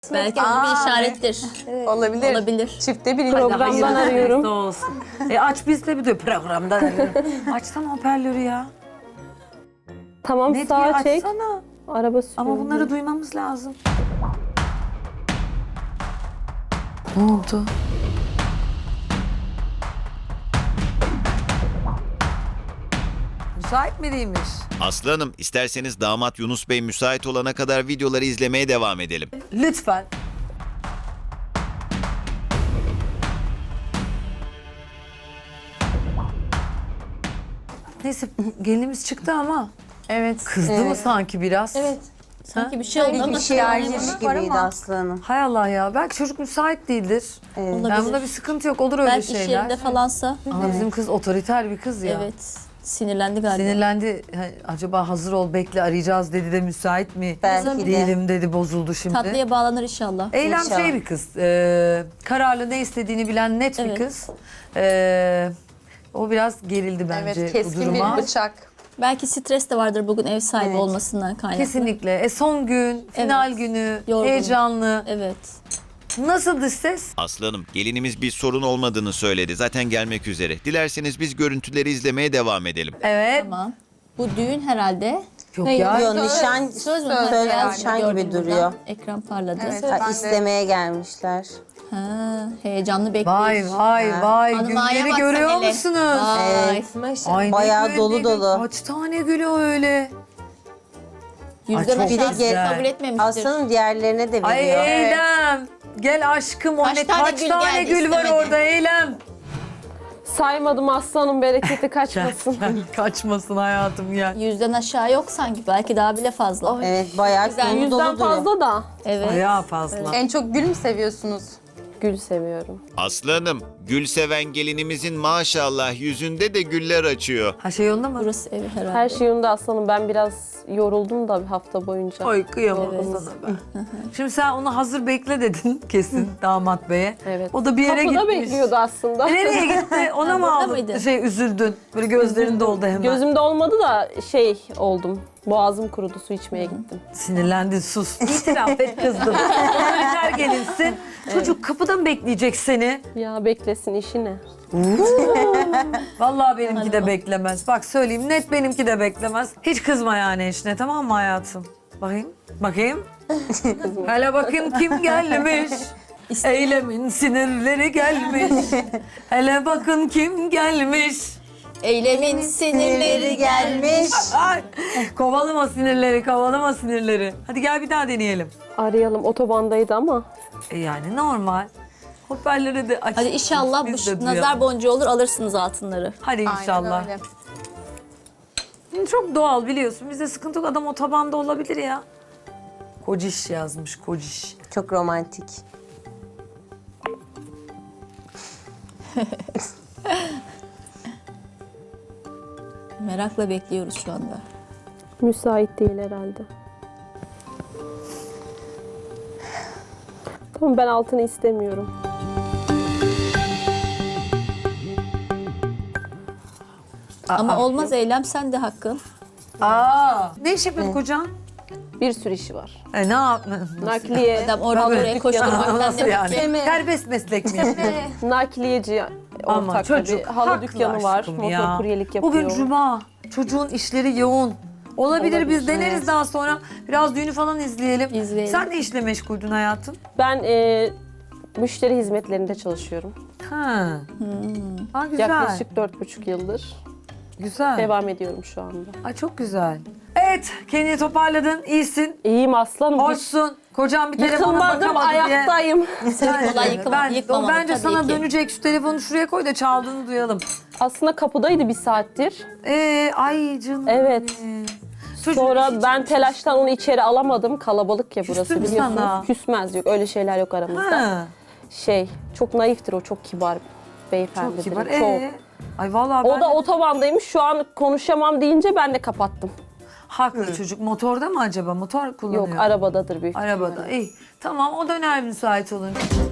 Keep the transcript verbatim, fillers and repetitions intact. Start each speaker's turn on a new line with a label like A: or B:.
A: Belki bu bir işarettir.
B: Olabilir.
A: Olabilir.
B: Çifte bir
C: Programdan arıyorum.
D: Olsun. E aç biz de bir de programdan arıyorum. Açsana hoparlörü ya.
C: Tamam
D: Ne diye
C: sağa çek.
D: açsana.
C: Araba sürüyor.
D: Ama bunları duymamız lazım. Ne oldu? Müsait mi değilmiş?
E: Aslı Hanım, isterseniz damat Yunus Bey müsait olana kadar videoları izlemeye devam edelim.
D: Lütfen. Neyse gelinimiz çıktı ama
B: Evet.
D: kızdı mı sanki biraz?
A: Evet. Sanki bir şey oldu ama
B: Bir şey ayrılmış
A: var
B: gibiydi
A: ama
B: Aslı Hanım.
D: Hay Allah ya. Belki çocuk müsait değildir.
B: Evet.
D: Yani
A: olabilir.
D: bunda bir sıkıntı yok. Olur öyle
A: Belki iş
D: şeyler.
A: yerinde falansa.
D: Ama bizim kız otoriter bir kız ya.
A: Evet. Sinirlendi galiba.
D: Sinirlendi. Ha, acaba hazır ol bekle arayacağız dedi de müsait mi?
B: Belki de.
D: Değilim dedi bozuldu şimdi.
A: Tatlıya bağlanır inşallah.
D: Eylem
B: İnşallah.
D: şey bir kız. e, kararlı ne istediğini bilen net bir
A: Evet.
D: kız. E, o biraz gerildi bence
B: Evet,
D: bu
B: keskin
D: duruma.
B: bir bıçak.
A: Belki stres de vardır bugün ev sahibi
B: Evet.
A: olmasından kaynaklı.
D: Kesinlikle. E, son gün, final
A: Evet.
D: günü,
A: Yorgun.
D: heyecanlı.
A: Evet.
D: Nasıldı ses?
E: Aslı Hanım, gelinimiz bir sorun olmadığını söyledi. Zaten gelmek üzere. Dilerseniz biz görüntüleri izlemeye devam edelim.
D: Evet.
A: Tamam. Bu düğün herhalde.
D: Yok
A: Hayır,
D: ya.
B: Yok, nişan,
A: Söz mü?
B: söz,
A: Ha, beyaz
B: nişan
A: gördüm
B: gibi
A: buradan.
B: duruyor.
A: Ekran parladı.
B: Ha, istemeye gelmişler.
A: Ha, heyecanlı bekliyoruz.
D: Vay vay
B: Ha.
D: vay.
A: Hanımaya
D: Gülleri
A: bak sen
D: görüyor
A: hele.
D: musunuz?
A: Vay.
D: Ay, ne
B: Bayağı
D: gül,
B: dolu
D: ne gül.
B: dolu.
D: Kaç tane gülü öyle?
A: Yüzden
D: Ay, çok
A: aşağısı
B: güzel.
A: kabul etmemiştir.
B: Aslı Hanım diğerlerine de
D: Ay
B: veriyor.
D: Eylem. Gel aşkım o
A: Kaç
D: ne
A: tane
D: kaç
A: gül
D: tane
A: geldi,
D: gül var
A: istemedi.
D: orada Eylem.
C: Saymadım aslanım bereketi kaçmasın.
D: Kaçmasın hayatım ya.
A: Yüzden aşağı yok sanki. Belki daha bile fazla.
B: Evet, bayağı
A: Güzel.
B: dolu
C: Yüzden
B: dolu duruyor.
C: fazla da
A: Evet.
D: Bayağı fazla.
B: En çok gül mü seviyorsunuz?
C: gül seviyorum.
E: Aslı Hanım, gül seven gelinimizin maşallah yüzünde de güller açıyor.
D: Ha şey yolunda mı?
A: Burası evi herhalde.
C: Her şey yolunda aslanım. Ben biraz yoruldum da bir hafta boyunca.
D: Ay kıyamam
A: Evet.
D: sana ben. Şimdi sen onu hazır bekle dedin kesin damat beye.
C: Evet.
D: O da bir yere
C: Kapıda
D: gitmiş.
C: bekliyordu aslında.
D: E, nereye gitti? Ona mı
A: Burada
D: aldın?
A: mıydı?
D: Şey üzüldün. Böyle gözlerin doldu hemen.
C: Gözümde olmadı da şey oldum. Boğazım kurudu, su içmeye gittim.
D: Sinirlendin sus. İtiraf et kızdım. Otoriter gelinsin. Çocuk kapıda mı bekleyecek seni?
C: Ya beklesin işi ne?
D: Vallahi benimki de beklemez. Bak söyleyeyim net benimki de beklemez. Hiç kızma yani eşine tamam mı hayatım? Bakayım. Bakayım. Hele bakayım kim gelmiş. Eylemin sinirleri gelmiş. Hele bakın kim gelmiş.
A: Eylemin sinirleri gelmiş.
D: Ay, kovalama sinirleri, kovalama sinirleri. Hadi gel bir daha deneyelim.
C: Arayalım, otobandaydı ama.
D: E yani normal. Hoparlörü de aç.
A: Hadi inşallah
D: Biz
A: bu
D: de duyalım.
A: nazar boncuğu olur alırsınız altınları.
D: Hadi inşallah.
B: Aynen öyle.
D: Çok doğal biliyorsun. Bizde sıkıntı yok. Adam otobanda olabilir ya. Kociş yazmış, kociş.
B: Çok romantik.
A: Merakla bekliyoruz şu anda.
C: Müsait değil herhalde. Tamam ben altını istemiyorum.
A: Ama olmaz Eylem sen de hakkın.
D: Aa, ne iş yapıyorsun kocan?
C: Bir sürü işi var.
D: E ne yap?
C: Nakliye,
A: Adam oradan oraya koşturmaktan
D: Nasıl
A: demek
D: yani?
A: ki.
D: Serbest meslek mi yapıyor?
C: nakliyeci
D: Ama
C: ortak
D: çocuk
C: bir halı
D: haklı
C: dükkanı var.
D: aşkım
C: Motor
D: ya.
C: kuryelik yapıyor.
D: Bugün cuma. Çocuğun işleri yoğun. Olabilir,
C: Olabilir,
D: biz deneriz daha sonra. Biraz düğünü falan izleyelim.
A: İzleyelim.
D: Sen ne işle meşguldün hayatım?
C: Ben e, müşteri hizmetlerinde çalışıyorum.
D: Ha. Ha güzel.
C: Yaklaşık dört buçuk yıldır
D: Güzel.
C: devam ediyorum şu anda.
D: Ay çok güzel. Evet, kendini toparladın, iyisin,
C: İyiyim aslanım. Hiç
D: hoşsun. Kocam bir telefona
C: yıkılmadım,
D: bakamadı diye.
C: ayaktayım.
A: Seni kolay yıkama,
D: Ben,
A: yıkmamalı
D: bence
A: tabii
D: sana
A: ki.
D: dönecek. Şu telefonu şuraya koy da çaldığını duyalım.
C: Aslında kapıdaydı bir saattir.
D: Ee, ay canım.
C: Evet.
D: benim. Çocuğun
C: Sonra
D: işi
C: ben
D: çıkmış.
C: telaştan onu içeri alamadım. Kalabalık ya burası
D: Küstü mü
C: biliyorsunuz.
D: sana?
C: Küsmez yok. Öyle şeyler yok aramızda.
D: Ha,
C: Şey, çok naiftir o. Çok kibar beyefendi.
D: çok kibar.
C: Çok.
D: Ee, ay vallahi ben
C: O da otobandaymış. Şu an konuşamam deyince ben de kapattım.
D: haklı çocuk. Motorda mı acaba? Motor kullanıyor.
C: Yok, arabadadır büyük.
D: Arabada. İyi. Tamam o döner müsait olunca.